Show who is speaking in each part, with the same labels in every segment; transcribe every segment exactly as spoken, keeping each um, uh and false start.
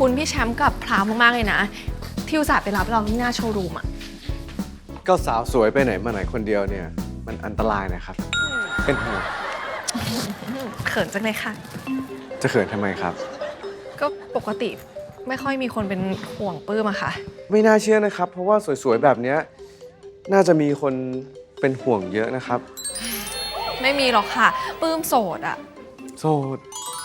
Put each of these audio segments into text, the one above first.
Speaker 1: คุณพี่แชมป์กับพราวมากๆเลยนะที่อุตส่าห์ไปรับเราที่หน้าโชว์รูมอ่ะ
Speaker 2: ก็สาวสวยไปไหนมาไหนคนเดียวเนี่ยมันอันตรายนะครับเป็นห่วง
Speaker 1: เขินจังเลยค่ะ
Speaker 2: จะเขินทำไมครับ
Speaker 1: ก็ปกติไม่ค่อยมีคนเป็นห่วงปื้มอะค่ะ
Speaker 2: ไม่น่าเชื่อนะครับเพราะว่าสวยๆแบบนี้น่าจะมีคนเป็นห่วงเยอะนะครับ
Speaker 1: ไม่มีหรอกค่ะปื้มโสดอะ
Speaker 2: โสด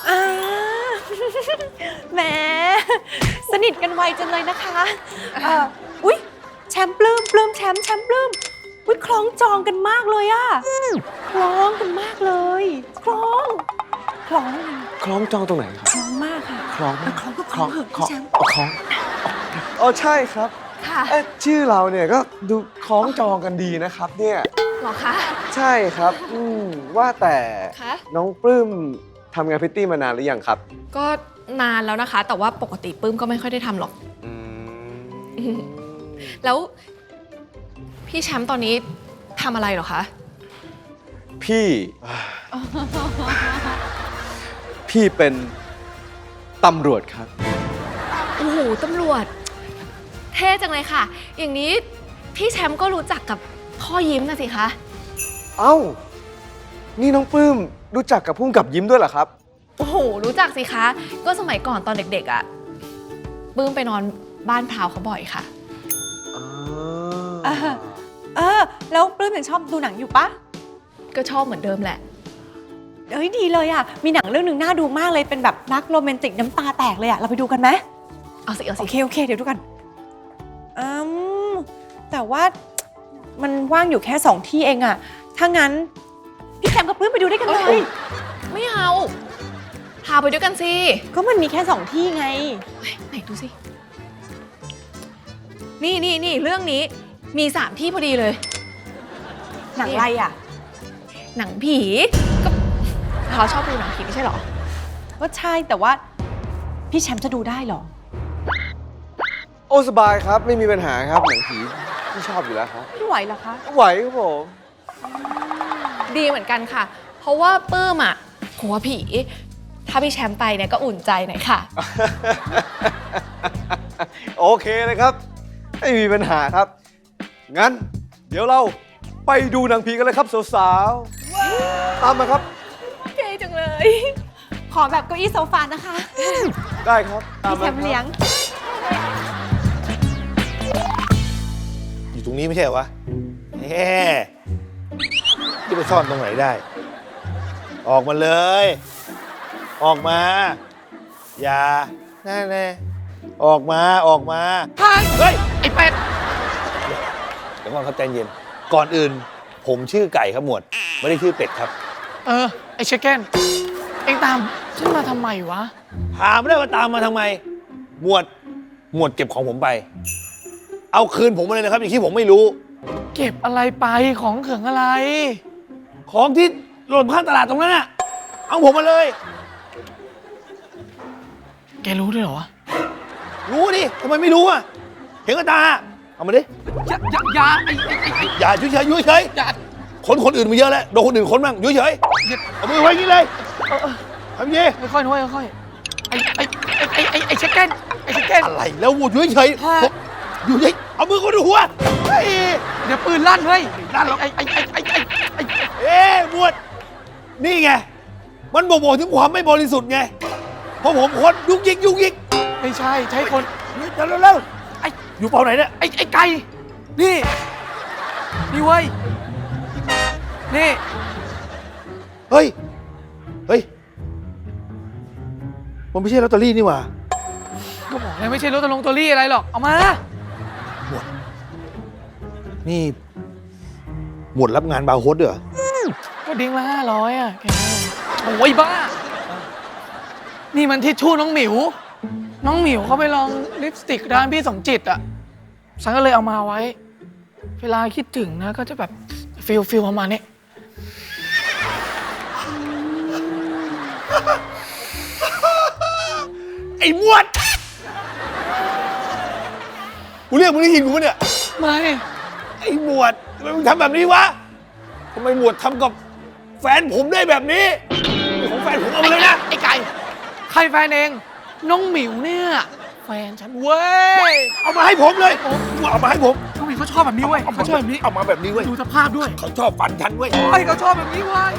Speaker 3: แหมสนิทกันไวจังเลยนะคะเอ่ออุ๊ยแชมป์ปลื้มปลื้มแชมป์แชมป์ปลื้มอุ๊ยคล้องจองกันมากเลยอะคล้องกันมากเลยคล้องคล้อง
Speaker 2: คล้องจองตรงไหนครับ
Speaker 3: คล้องมากค่ะ
Speaker 2: คล้อง
Speaker 3: คล้องก็คล้องเหอะพี่แชมป์
Speaker 2: คล้องอ๋อใช่ครับ
Speaker 1: ค่ะ
Speaker 2: ชื่อเราเนี่ยก็ดูคล้องจองกันดีนะครับเนี่ย
Speaker 1: หรอคะ
Speaker 2: ใช่ครับอืมว่าแต่น้องปลื้มทำงานพริตตี้มานานหรือยังครับ
Speaker 1: ก็นานแล้วนะคะแต่ว่าปกติปื้มก็ไม่ค่อยได้ทำหรอกแล้วพี่แชมป์ตอนนี้ทำอะไรหรอคะ
Speaker 2: พี่พี่เป็นตำรวจครับ
Speaker 1: โอ้โหตำรวจเท่จังเลยค่ะอย่างนี้พี่แชมป์ก็รู้จักกับพ่อยิ้มนะสิคะ
Speaker 2: เอ้านี่น้องปลื้มรู้จักกับพุ่งกับยิ้มด้วยเหรอครับ
Speaker 1: โอ้โหรู้จักสิคะก็สมัยก่อนตอนเด็กๆอ่ะปลื้มไปนอนบ้านพราวเขาบ่อยค่ะ
Speaker 3: เออเออแล้วปลื้มยังชอบดูหนังอยู่ปะ
Speaker 1: ก็ชอบเหมือนเดิมแหละ
Speaker 3: เอ้ยดีเลยอ่ะมีหนังเรื่องหนึ่งน่าดูมากเลยเป็นแบบรักโรแมนติกน้ำตาแตกเลยอ่ะเราไปดูกันไหม
Speaker 1: เอาสิเอาสิ
Speaker 3: โอเคโอเคเดี๋ยวดูกันอืมแต่ว่ามันว่างอยู่แค่สองที่เองอ่ะถ้างั้นพี่แชมป์กับปลื้มไปดูด้วยกันเลย
Speaker 1: ไม่เอาพาไปด้วยกันสิ
Speaker 3: ก็มันมีแค่สองที่ไง
Speaker 1: ไหนดูสินี่นี่นี่เรื่องนี้มีสามที่พอดีเลย
Speaker 3: หนังอะไรอ่ะ
Speaker 1: หนังผีก็เขาชอบดูหนังผีไม่ใช่หรอ
Speaker 3: ก็ใช่แต่ว่าพี่แชมป์จะดูได้หรอ
Speaker 2: โอ้สบายครับไม่มีปัญหาครับหนังผีที่ชอบอยู่แล้วครับ
Speaker 3: พี่ไหวเหรอคะ
Speaker 2: ไหวครับผม
Speaker 1: ดีเหมือนกันค่ะเพราะว่าปื้มอ่ะกลัวผีถ้าพี่แชมป์ไปเนี่ยก็อุ่นใจหน่อยค่ะ
Speaker 2: โอเคเลยครับไม่มีปัญหาครับงั้นเดี๋ยวเราไปดูหนังผีกันเลยครับสาวๆตามมาครับ
Speaker 1: เก๋จังเลย
Speaker 3: ขอแบบเก้าอี้โซฟานะคะ
Speaker 2: ได้ครับ
Speaker 3: พี่แชมป์เลี้ยง
Speaker 4: อยู่ตรงนี้ไม่ใช่เหรอวะแหมที่ไปซ่อนตรงไหนได้ออกมาเลยออกมาอย่าแน่แน่ออกมาออกมาเฮ้ย
Speaker 1: ไอ้เป็ด
Speaker 4: เดี๋ยวก่อนครับใจเย็นก่อนอื่นผมชื่อไก่ครับหมวดไม่ได้ชื่อเป็ดครับ
Speaker 5: เออไอ้เชคเก้นเอ็งตามฉันมาทำไมวะ
Speaker 4: ถามไม่ได้ว่าตามมาทำไมหมวดหมวดเก็บของผมไปเอาคืนผมมาเลยนะครับอย่างที่ผมไม่รู้
Speaker 5: เก็บอะไรไปของเขิงอะไร
Speaker 4: ของที่หล่นข้างตลาดตรงนั้นน่ะเอาผมมาเลย
Speaker 5: แกรู้ด้วยเหรอวะ
Speaker 4: รู้ดิทำไมไม่รู้อ่ะเห็นกับตาเอามาดิ
Speaker 5: อย่าอย่าอย่าไอ้ไอ้ไอ้
Speaker 4: อย่าเฉยเฉยเฉยอย่าคนคนอื่นมาเยอะแล้วโดนคนอื่นคนบ้างเฉยเฉยเอามือไว้อย่างนี้เลยทำยี่
Speaker 5: ค่อยๆค่อยๆไอ้ไอ้ไอ้ไอ้ไอ้เชคเก้นไอ้เชคเก้น
Speaker 4: อะไรแล้ววูดเฉยเฉยอยู่เฉยเอามือคนหัว
Speaker 5: เดี๋ยวปืนลั่นเฮ้ยลั่นไอ้ไอ้ไอ้ไอ้ไอ้ไอ้
Speaker 4: เอ๊ะบวชนี่ไงมันบ่งบอกถึงความไม่บริสุทธิ์ไงเพราะผมคนยุกยิกยุกยิก
Speaker 5: ไม่ใช่ใช่คน
Speaker 4: เร็วเร็วไอ้อยู่เปล่าไหนเนี่ย
Speaker 5: ไอ้ไอ้ไก่นี่นี่เว้ยนี่
Speaker 4: เฮ้ยเฮ้ยมันไม่ใช่ลอตเตอรี่นี่หว่า
Speaker 5: ก็บอกเลยไม่ใช่ลอตเตอรี่อะไรหรอกเอามา
Speaker 4: หมวดนี่หมวดรับงานบาร์โฮสเหรอ
Speaker 5: ก็ดิ้งละห้าร้อยอ่ะแกโอ้ยบ้านี่มันทิชชู่น้องหมิวน้องหมิวเขาไปลองลิปสติกร้านพี่สมจิตอ่ะฉันก็เลยเอามาไว้เวลาคิดถึงนะก็จะแบบฟิลฟิลประมาณนี้
Speaker 4: ไอ้มวดกูเรียกมึงได้ยินกูปะเนี่ย
Speaker 5: ไม่
Speaker 4: ไอ้หมวดทำไมมึงทำแบบนี้วะทำไมหมวดทำกับแฟนผมได้แบบนี้ของแฟนผมเอามาเลยนะ
Speaker 5: ไอ้ไก่ใครแฟนเองน้องหมิวเนี่ยนฉันเว้ย
Speaker 4: เอามาให้ผมเลยเอามาให้ผม
Speaker 5: น้องหมิวเขาชอบแบบนี้เว้ยเขาชอบแบบนี้
Speaker 4: เอามาแบบนี้เว้ย
Speaker 5: ดูสภาพด้วย
Speaker 4: เขาชอบฟันฉันเว้ย
Speaker 5: ไอ้ยเขาชอบแบบนี้เว้ย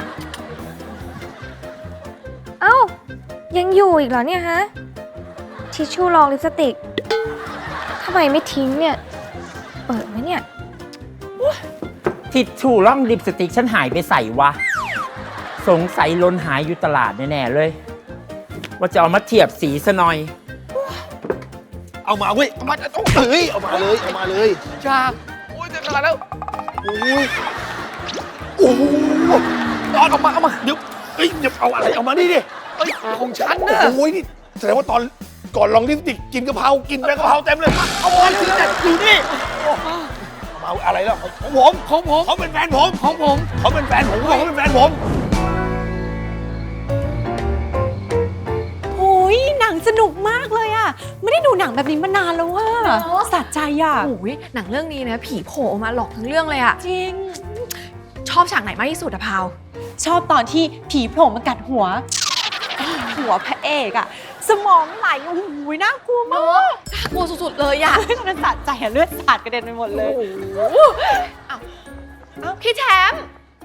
Speaker 6: เอ้า ยังอยู่อีกเหรอเนี่ยฮะ ทิชชู่รองลิปสติกทำไมไม่ทิ้งเนี่ย เปิดไหมเนี่ย
Speaker 7: ทิชชู่ร่องลิปสติกฉันหายไปใส่วะ สงสัยลนหายอยู่ตลาดแน่ๆเลย ว่าจะเอามาเทียบสีซะหน่อย
Speaker 4: เอามาเว้ยเอามาเอาเฮ้ยเอามาเลยเอามาเลย
Speaker 5: จ้าโอ้ยจะขาดแล้ว
Speaker 4: โอ้ยโอ้โห
Speaker 5: ตอนออกมาเอามา
Speaker 4: เดี๋ยวเฮ้ยเดี๋ยวเอาอะไรเอามานี่ดิ
Speaker 5: เอ้ยของฉันนะ
Speaker 4: โอ้ยนี่แสดงว่าตอนก่อนลองลิปสติกกินกะเพรากินแบงกะเพราเต็มเลยเอามาสิแต่อยู่นี่เอาอะไรแล้วของผม
Speaker 5: ของผม
Speaker 4: เขาเป็นแฟนผม
Speaker 5: ของผม
Speaker 4: เขาเป็นแฟนผมเขาเป็นแฟนผม
Speaker 3: โอ้ยหนังสนุกมากเลยอะไม่ได้ดูหนังแบบนี้มานานแล้วว่าสะใจอะ
Speaker 1: โอ้ยหนังเรื่องนี้นะผีโผล่ออกมาหลอกทั้งเรื่องเลยอะ
Speaker 3: จริง
Speaker 1: ชอบฉากไหนมากที่สุดอะพาว
Speaker 3: ชอบตอนที่ผีโผล่มากัดหัวไอ้หัวพระเอกอะสมองไหลโอ้โหน่ากลัวมาก
Speaker 1: น่ากลัวสุดๆเลยอะ
Speaker 3: มันสะใจอะเลือดสาดกระเด็นไปหมดเลย
Speaker 1: อ้าวอ้าวพี่แชมป์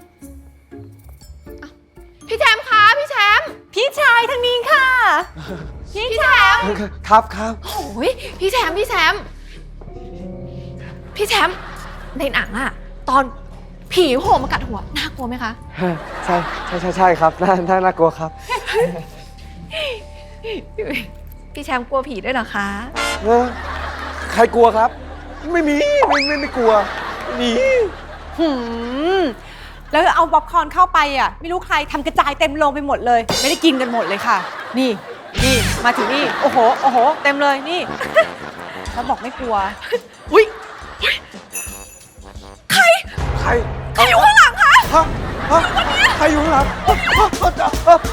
Speaker 1: อ้าวพี่แชมป์คะพี่แชมป์
Speaker 3: พี่ชายทางนี้ค่ะ พี่
Speaker 1: พี่แชมป์
Speaker 2: ครับครับ
Speaker 1: โอ้ยพี่แชมป์พี่แชมป์พี่แชมป์ในหนังอะตอนผีโผล่มากัดหัวน่ากลัวไหมคะ
Speaker 2: ใช่ใช่ใช่ใช่ครับน่าน่าน่ากลัวครับ
Speaker 1: พี่แชมป์กลัวผีด้วยเหรอคะ
Speaker 2: เออใครกลัวครับ ไม่มีไม่ไม่ไม่กลัวไม่มี
Speaker 3: หืมแล้วเอาป๊อปคอร์นเข้าไปอ่ะ ไม่รู้ใครทำกระจายเต็มโรงไปหมดเลย ไม่ได้กินกันหมดเลยค่ะ นี่นี่มาถึงนี่ โอ้โหโอ้โห เต็มเลยนี่ แล้วบอกไม่กลัว
Speaker 1: อุ้ย
Speaker 2: ใครใครอยู่ข้างหลังคะฮะฮะใครอยู่ข้างหลังฮะฮะฮะ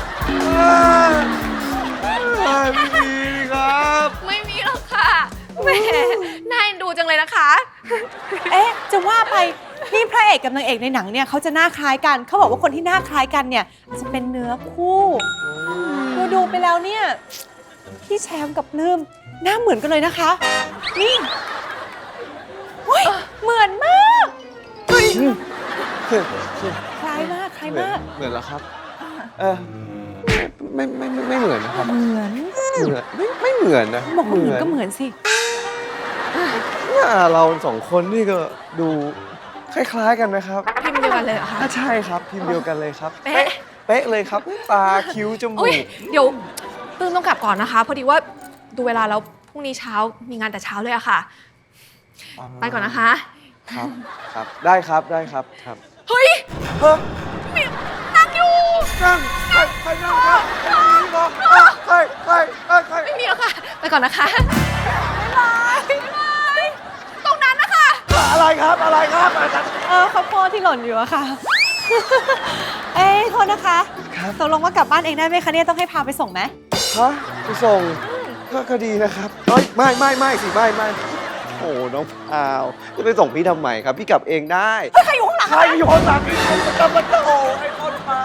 Speaker 2: ฮะไม่มีครับ
Speaker 1: ไม่มีหรอกค่ะแหมน่าเอ็นดูจังเลยนะคะ
Speaker 3: เอ๊ะ จะว่าไปนี่พระเอกกับนางเอกในหนังเนี่ยเขาจะหน้าคล้ายกัน เขาบอกว่าคนที่หน้าคล้ายกันเนี่ยจะเป็นเนื้อคู่ดูดูไปแล้วเนี่ยพี่แชมป์กับปลื้มหน้าเหมือนกันเลยนะคะ นี่เฮ้ยเหมือนมากเฮ้ยคล้ายมากคล้าย
Speaker 2: เหมือน
Speaker 3: มาก
Speaker 2: เหมือนแล้วครับ เออไม่ไม่ไม่ไม่เหมือนนะครับ
Speaker 3: เหมือน
Speaker 2: เหมือนไม่ไม่เหมือนนะ
Speaker 3: บอกว่าเหมือนก็เหมือนสิ
Speaker 2: เนี่ยเราสองคนนี่ก็ดูคล้ายๆกันนะครับ
Speaker 1: พิมพ์เดียวกันเลยเหรอคะ
Speaker 2: อ่ะใช่ครับพิมพ์เดียวกันเลยครับ
Speaker 1: เป๊ะ
Speaker 2: เป๊ะเลยครับตาคิ้วจมู
Speaker 1: อุ้ย
Speaker 2: ก
Speaker 1: เดี๋ยวปลื้มต้องกลับก่อนนะคะ พอดีว่าดูเวลาแล้วพรุ่งนี้เช้ามีงานแต่เช้าเลยอะค่ะ ไปก่อนนะคะ
Speaker 2: ครับครับได้ครับได้ครับครับ
Speaker 1: เฮ้ย
Speaker 2: เฮ้ย
Speaker 1: นั่งอยู่
Speaker 2: นั่งใครใครนั่งครับใครใครใครใคร
Speaker 1: ไม่มีแล้วค่ะ ไปก่อนนะคะบ๊ายบายบ๊ายบายตรงนั้นนะคะ
Speaker 2: อะไรครับอะไรครับ
Speaker 3: เออข้าวโพดที่หล่นอยู่อะค่ะ เอ้ยโทษนะคะ
Speaker 2: ครับ
Speaker 3: ตกลงว่ากลับบ้านเองได้ไหมคะเนี่ยต้องให้พาไปส่งไหม
Speaker 2: ฮะไปส่งก็ก็ดีนะครับเอ้ยไม่ไม่ไม่สิไม่ไม่โอ้น้องพาวจะไปส่งพี่ทำไมครับ พี่กลับเองได้
Speaker 3: ใครอยู่ข้างหลัง
Speaker 2: ใครอยู่ข้างหลังพี่คนจะมาโตไอ้คนพา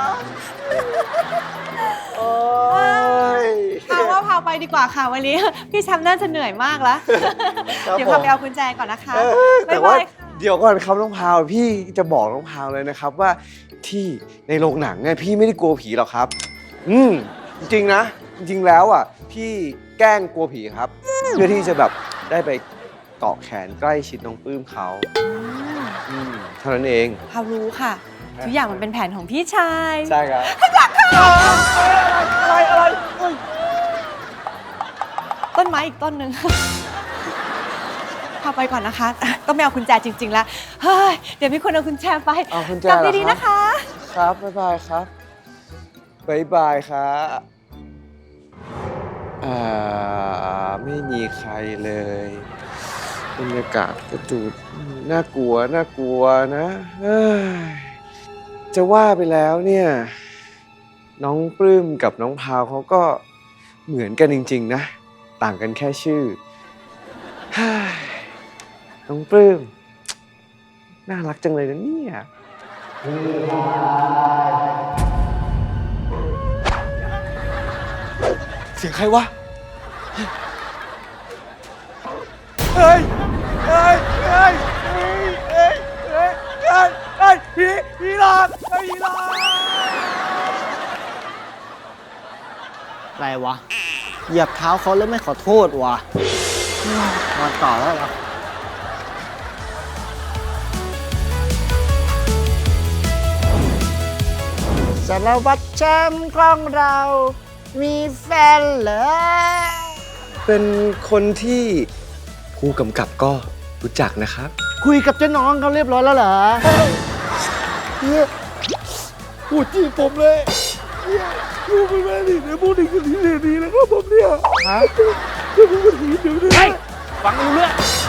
Speaker 2: โอ้ย
Speaker 3: พาว่าพาไปดีกว่าค่ะวันนี้ พี่แชมป์น่าจะเหนื่อยมากแล้ว
Speaker 2: ครับ
Speaker 3: เดี๋ยว
Speaker 2: ผม
Speaker 3: พาไปเอากุญแจก่อนนะคะ
Speaker 2: เออแต่
Speaker 3: บ๊าย
Speaker 2: ว่า
Speaker 3: บายค่ะ
Speaker 2: เดี๋ยวก่อนครับน้องพาวพี่จะบอกน้องพาวเลยนะครับว่าที่ในโรงหนังเนี่ยพี่ไม่ได้กลัวผีหรอกครับ อืมจริงๆนะ จริงๆแล้วอ่ะพี่แกล้งกลัวผีครับ เพื่อที่จะแบบได้ไปเกาะแขนใกล้ชิดน้องปลื้มเขาอืมเท่านั้นเอง
Speaker 3: พารู้ค่ะ ทุกอย่างมันเป็นแผนของพี่ชาย
Speaker 2: ใช่ครับอะไรอะไร
Speaker 3: ต้นไม้อีกต้นหนึ่ง พาไปก่อนนะคะ ต้องไปเอากุญแจจริง ๆ แล้ว เฮ้ย เดี๋ยวมีคนเอากุญแจไป
Speaker 2: เอาคุณแจ
Speaker 3: กลับ
Speaker 2: เหรอ
Speaker 3: ดี
Speaker 2: ค
Speaker 3: ๆ
Speaker 2: รับ
Speaker 3: นะคะ
Speaker 2: ครับบ๊ายบายครับบ๊ายบายครับอ่าไม่มีใครเลยบรรยากาศก็ดูน่ากลัวน่ากลัวนะเอ้ยจะว่าไปแล้วเนี่ย น้องปลื้มกับน้องพาวเขาก็เหมือนกันจริง ๆ นะ ต่างกันแค่ชื่อเฮ้ยน้องปลื้มน่ารักจังเลยนะเนี่ยเสียงใครวะเฮ้ยเฮ้ยเฮ้ยเฮ้ยเฮ้ยเฮ้ยเฮ้ยเฮ้ยผีผีหลอกเฮ้ยผีหลอก
Speaker 8: อะไรวะ เหยียบเท้าเขาแล้วไม่ขอโทษวะมาต่อแล้วเหรอสารวัตรแชมป์ของเรา มีแฟนเหรอ
Speaker 2: เป็นคนที่ผู้กำกับก็รู้จักนะครับ
Speaker 8: คุยกับเจ้าน้องเขาเรียบร้อยแล้วเหรอเฮียพูดจีบผมเลยเฮียพูดเป็นแม่ดิเนี่ยพูดถึงคนนี้เลยดีนะครับผมเนี่ยฮะจะพูดกันทีเดียวเลย
Speaker 7: ฟังไม่รู้เรื่อง